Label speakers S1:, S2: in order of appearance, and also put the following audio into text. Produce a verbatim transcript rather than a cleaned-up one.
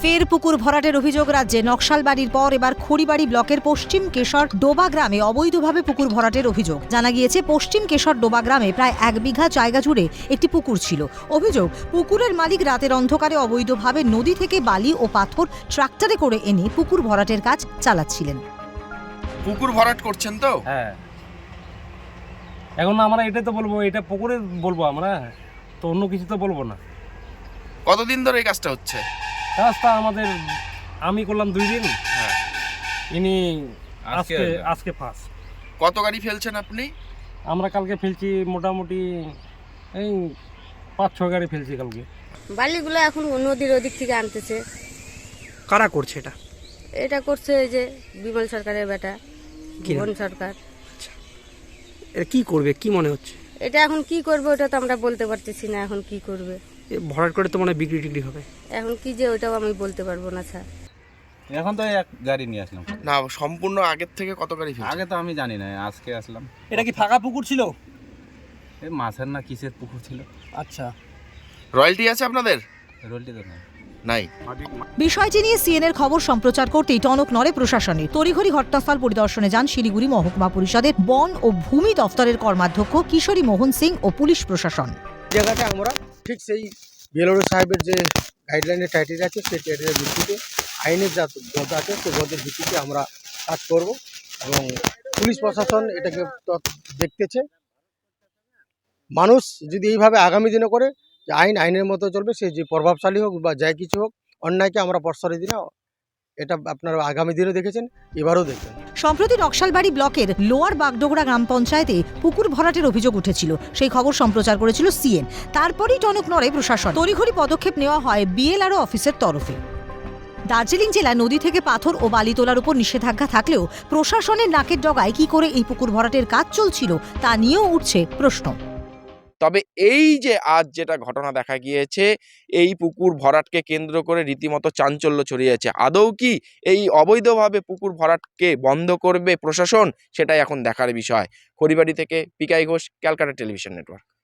S1: ফের পুকুর ভরাটের অভিযোগ রাজ্যে। নকশালবাড়ির পর এবার খড়িবাড়ি ব্লকের পশ্চিম কেশর ডোবা গ্রামে অবৈধভাবে পুকুর ভরাটের অভিযোগ। জানা গিয়েছে, পশ্চিম কেশর ডোবা গ্রামে প্রায় এক বিঘা জায়গা জুড়ে একটি পুকুর ছিল। অভিযোগ, পুকুরের মালিক রাতের অন্ধকারে অবৈধভাবে নদী থেকে বালি ও পাথর ট্রাক্টরে করে এনে পুকুর ভরাটের কাজ চালাচ্ছিলেন।
S2: পুকুর ভরাট করছেন তো?
S3: হ্যাঁ, এখন আমরা এটাই তো বলবো, এটা পুকুরে বলবো, আমরা তো অন্য কিছু তো বলবো না।
S2: কতদিন ধরে এই কাজটা হচ্ছে?
S3: কাজটা আমাদের আমি করলাম দুই দিন,
S2: হ্যাঁ।
S3: ইনি
S2: আজকে
S3: আজকে আজকে ফার্স্ট।
S2: কত গাড়ি ফেলছেন আপনি?
S3: আমরা কালকে ফেলছি মোটামুটি এই পাঁচ ছ গাড়ি ফেলছি কালকে।
S4: বালিগুলো এখন নদীর ওদিক থেকে আনতেছে।
S5: কারা করছে এটা?
S4: এটা করছে এই যে বিমল সরকারের বেটা
S5: কি নাম?
S4: বন সরকার।
S5: এটা কি করবে কি মনে হচ্ছে?
S4: এটা এখন কি করবে ওটা তো আমরা বলতে পারতেছি না। এখন কি করবে,
S5: এ ভরাট করে তো মনে হয় বিক্রি টিক্রি হবে।
S4: এখন কি যে ওটাও আমি বলতে পারবো না স্যার।
S6: এখন তো এক গাড়ি নিয়ে আসলাম।
S2: না, সম্পূর্ণ আগের থেকে কত গাড়ি ফেলছেন?
S6: আগে তো আমি জানি না, আজকে আসলাম।
S5: এটা কি ফাঁকা পুকুর ছিল?
S6: এই মাছের না কিসের পুকুর ছিল।
S5: আচ্ছা,
S2: রয়্যালটি আছে আপনাদের?
S6: রোলটি তো না।
S2: নাই।
S1: বিষয়টি নিয়ে সিএনএর খবর সম্প্রচার করতেই টনক নড়ে প্রশাসনের। তড়িঘড়ি ঘটনাস্থল পরিদর্শনে যান শিলিগুড়ি মহকুমা পরিষদের বন ও ভূমি দফতরের কর্মাধ্যক্ষ কিশোরী মোহন সিং ও পুলিশ প্রশাসন।
S7: জায়গাটা আমরা ঠিক সেই বিএলও সাহেবের যে গাইডলাইনের ক্রাইটেরিয়া আছে সেই ক্রাইটেরিয়ার ভিত্তিতে আইনের যা গদ আছে সেই গদের ভিত্তিতে আমরা কাজ করব এবং পুলিশ প্রশাসন এটাকে দেখতেছে। মানুষ যদি এইভাবে আগামী দিনে করে যে আইন আইনের মতো চলবে, সে যে প্রভাবশালী হোক বা যাই কিছু হোক, অন্যায়কে আমরা প্রশ্রয় দিই না। এটা আপনারা আগামী দিনে দেখেছেন, এবারও দেখবেন।
S1: সম্প্রতি নকশালবাড়ি ব্লকের লোয়ার বাগডোগরা গ্রাম পঞ্চায়েতে পুকুর ভরাটের অভিযোগ উঠেছিল। সেই খবর সম্প্রচার করেছিল সিএন। তারপরই টনক নড়ে প্রশাসন। তড়িঘড়ি পদক্ষেপ নেওয়া হয় বিএলআরও অফিসের তরফে। দার্জিলিং জেলায় নদী থেকে পাথর ও বালি তোলার উপর নিষেধাজ্ঞা থাকলেও প্রশাসনের নাকের ডগায় কি করে এই পুকুর ভরাটের কাজ চলছিল তা নিয়েও উঠছে প্রশ্ন।
S2: তবে এই যে আজ যেটা ঘটনা দেখা গিয়েছে, এই পুকুর ভরাটকে কেন্দ্র করে রীতিমতো চাঞ্চল্য ছড়িয়েছে। আদৌ কি এই অবৈধভাবে পুকুর ভরাটকে বন্ধ করবে প্রশাসন, সেটাই এখন দেখার বিষয়। খড়িবাড়ি থেকে Pikai Ghosh, Calcutta television network.